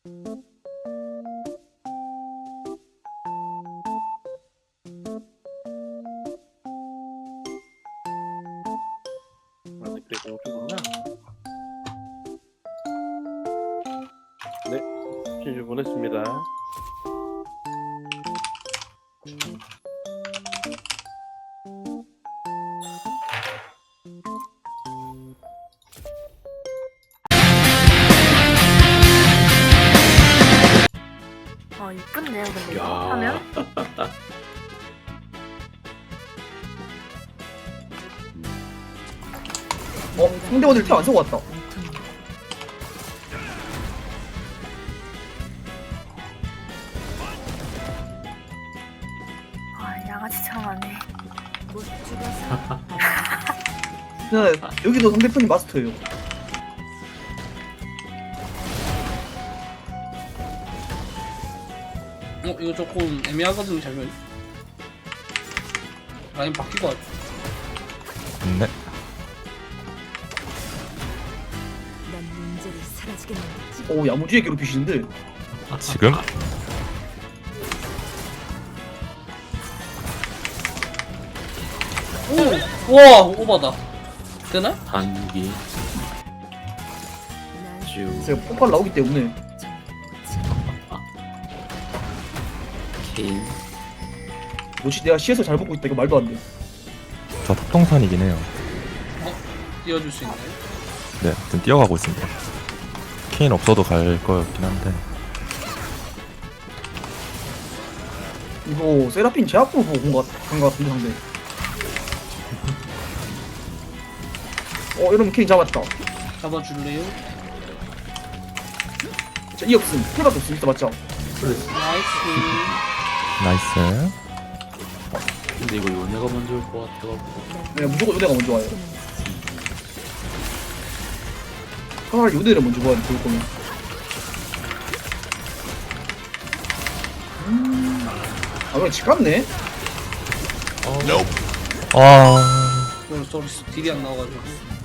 아니 그래도 여기구나. 네, 신주 보냈습니다. 이쁜데요, 근데 이거 야. 하면? 상대원들 템 안 쓰고 왔다. 양아치 창하네. 네, 여기도 상대편이 마스터예요. 이거 조금 애매하거든요, 장면이. 라인 바뀌고 하죠. 네. 난 문제를 사라지게 만들지. 오, 야무지게 괴롭히시는데. 지금? 오! 와! 오바다. 되나? 단기 난 주 제가 폭발 나오기 때문에. 케인. 역시 내가 시에서 잘 먹고 있다. 이거 말도 안 돼. 저 탑동산이긴 해요. 띄워줄 수 있나요? 네, 좀 뛰어가고 있습니다. 케인 없어도 갈 거였긴 한데. 이거 세라핀 제 앞으로 보고 간것 같은데 상대. 이러면 케인 잡았다. 잡아줄래요? 자, 이 없음. 필요밖에 없음. 진짜 맞죠? 나이스. 나이스. 근데 이거 요네가 먼저 올 것 같아가지고. 네, 무조건 요네가 먼저 와요. 차라리 요네를 먼저 봐야 돼, 볼 거면. 그냥 집 갔네? 쏘리 딜이 안 나와가지고.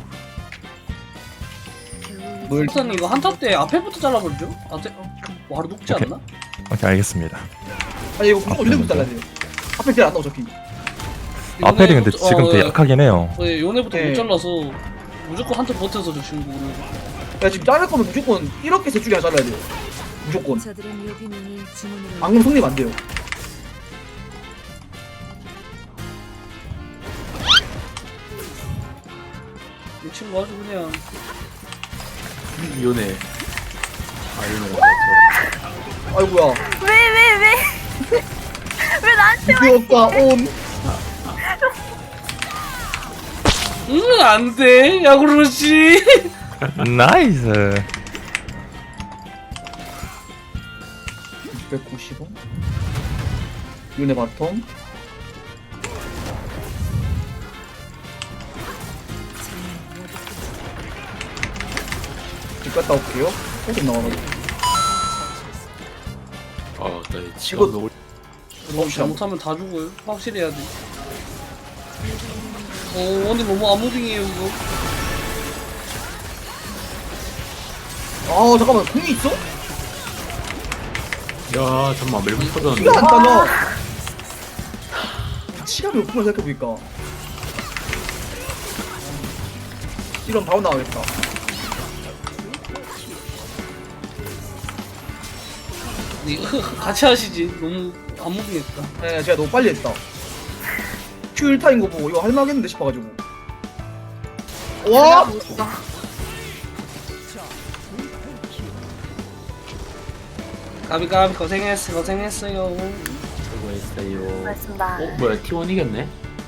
뭘, 일단 이거 한타 때 앞에부터 잘라버리죠? 바로 녹지 오케이. 않나? 오케이, 알겠습니다. 아니, 이거 무조건 요네부터 잘라야 돼요. 앞에 딜안 나와, 어차피. 아펠이 근데 지금 되게 약하긴 해요. 요네부터 네. 못 잘라서 무조건 한타 버텨서 저 친구는. 야, 지금 자를 거면 무조건 이렇게 셋 중에 하나 잘라야 돼요. 무조건. 저들의 묘비민이 주문을 안 그러면 성립 안 돼요. 이 친구 아주 그냥 요네. 아 요네가 맞죠. 아이고야. 왜 나한테 와? 이거가 온. 안돼 야구르시. 나이스. 690원. 요네 바텀. 집 갔다 올게요. 조금 나와가지고. 아, 나 이거- 지금 올. 잘못하면 다 죽어요. 확실히 해야 돼. 근데 너무 암무빙이에요 이거. 아, 잠깐만. 공이 있어? 야, 잠깐만 멜붕 터졌는데. 키가 안 따나? 치가 몇 분을 생각해보니까. 이런 바로 나오겠다. 같이 하시지. 너무 암무빙했다. 네, 제가 너무 빨리 했다. Q 1타인 거 보고 이거 할만하겠는데 싶어가지고. 와! 까비까비 고생했어요. 수고했어요. 고맙습니다. 뭐야 T1 이겼네?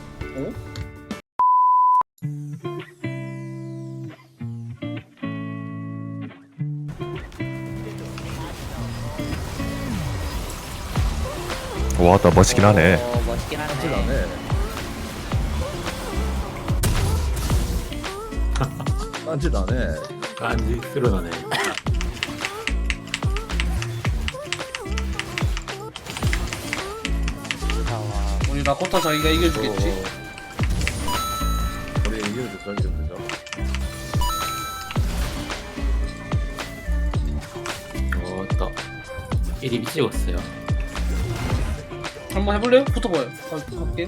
와, 나 멋있긴 하네. 멋있긴 하네. 딴짓하네. 깐지 쓸어나네. 우리 라코타 자기가 이겨주겠지. 우리 이겨도 던지면 되죠. 왔다. 1위 찍었어요. 한번 해볼래요? 붙어봐요. 갈게.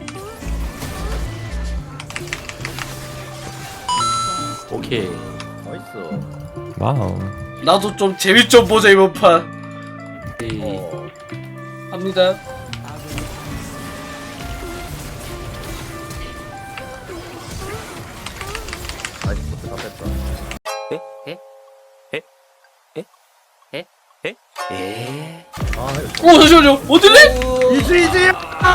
오케이. 나이스. 와우. 나도 좀 재미 좀 보자 이번 판. 네. 합니다. 나이스 포트 다 뺐다. 아 이거 오 잠시만요. 어딜래? 이지.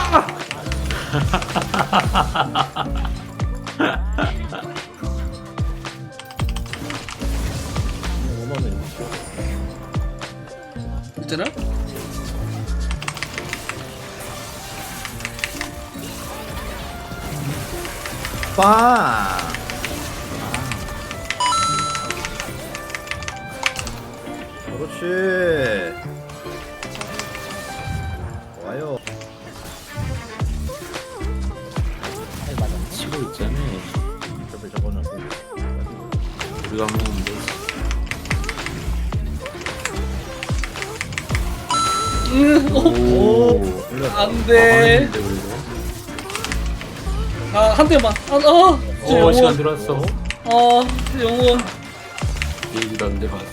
있잖아. 빵. 그렇지. 좋아요. 치고 있잖아. 저거는 우리가 먹으면 되지. 오. 올렸다. 안돼. 한 대만. 오, 시간 들어왔어. 영혼. 얘기도 안 돼봤어.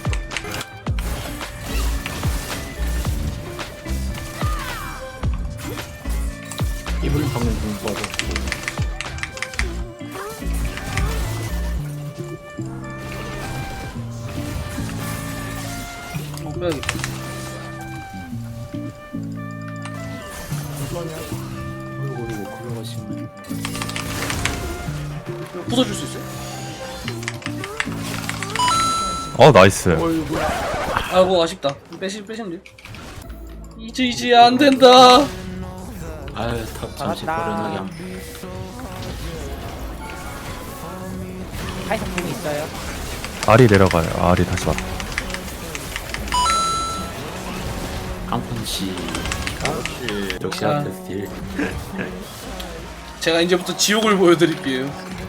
이분 방금 좀 빠졌고. 빼야겠다. 어이구, 걸어가시면. 부숴줄 수 있어요? 나이스. 어이구. 아이고 아쉽다. 빼시면 돼요. 이제 안 된다. 아유, 탑 잠시 버려나게 한. 알이 내려가요. 알이 다시 왔다. 한푼씩. 그렇지. 역시 아. 아트 스틸. 제가 이제부터 지옥을 보여드릴게요.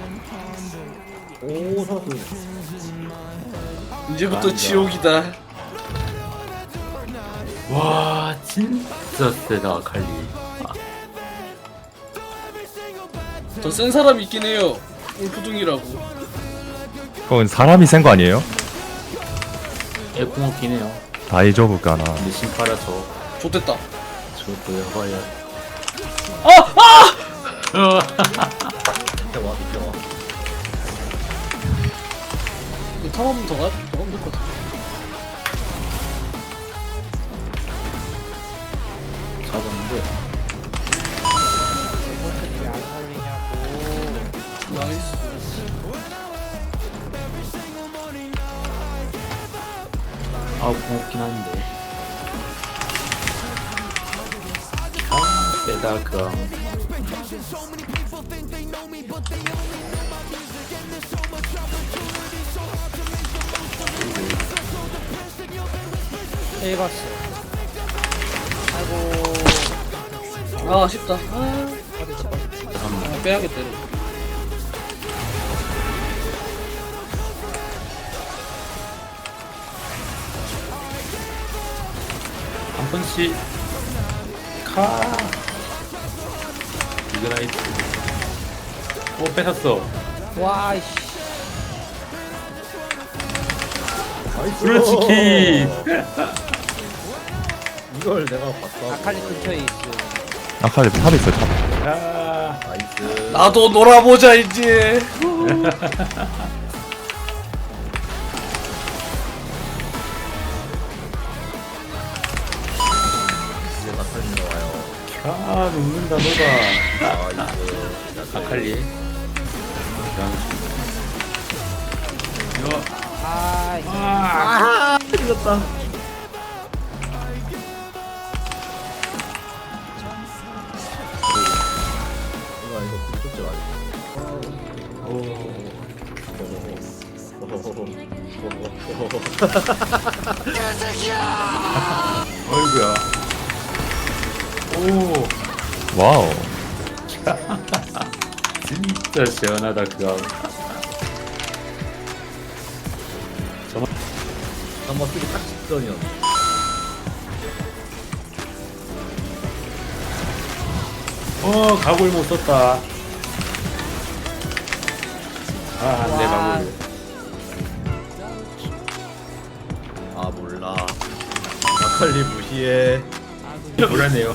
오 살았어. 이제부터 맞아. 지옥이다. 와, 진짜 세다, 아칼리. 더 센 사람이 있긴 해요. 울프둥이라고. 그건 사람이 센 거 아니에요? 애공 없긴 해요. 다이조브가나. 근데 신파라서 좋댔다. 저도 해봐야. 이때 와 이때 와. 이거 탑 한번 더 가면 될 것 같아. 잡았는데. 나이스. 아, 고맙긴 한데. 아, 세다, 그럼. 아 아쉽다. 잠깐만. 빼야겠다. 이거. 한 번씩. 카. 이그나이트. 오, 뺏었어. 나이스. 그렇지, 이걸 내가 봤어. 아칼리 근처에 있어. 아칼리 탑 있어요. 탑. 아, 나이스. 나도 놀아보자 이제. 이제 나타는 나와요. 아, 녹는다, 너가. 나이스. 아칼리. 이거. 아, 이겼다. 이거 굿즈 맞아. 오. 어이구야. 오. 와우. 진짜 시원하다, 그거. 한번 쓰기 딱 직전이었네. 가골 못 썼다. 안돼 와. 가골. 아 몰라. 마칼리 무시해. 불안해요.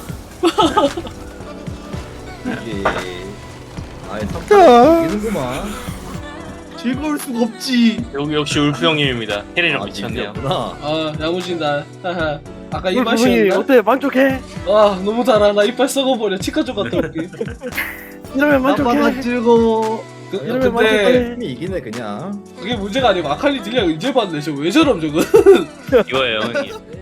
이게 아예 3판 이기는구만. 즐거울 수가 없지. 역시 울프 형님입니다. 캐리랑 아 미쳤네요. 미쳤구나. 아 야무진다. 하하. 아까 이 맛이었나? 어때? 만족해? 아 너무 달아. 나 이빨 썩어버려. 치과 좀 갔다 올게. 이러면 아빠가 만족해? 즐거워. 이러면 근데 만족해? 팀이 이기네 그냥. 그게 문제가 아니고 아칼리 딜량 이제 봤네. 저왜 저럼 저거? 이거예요 형님.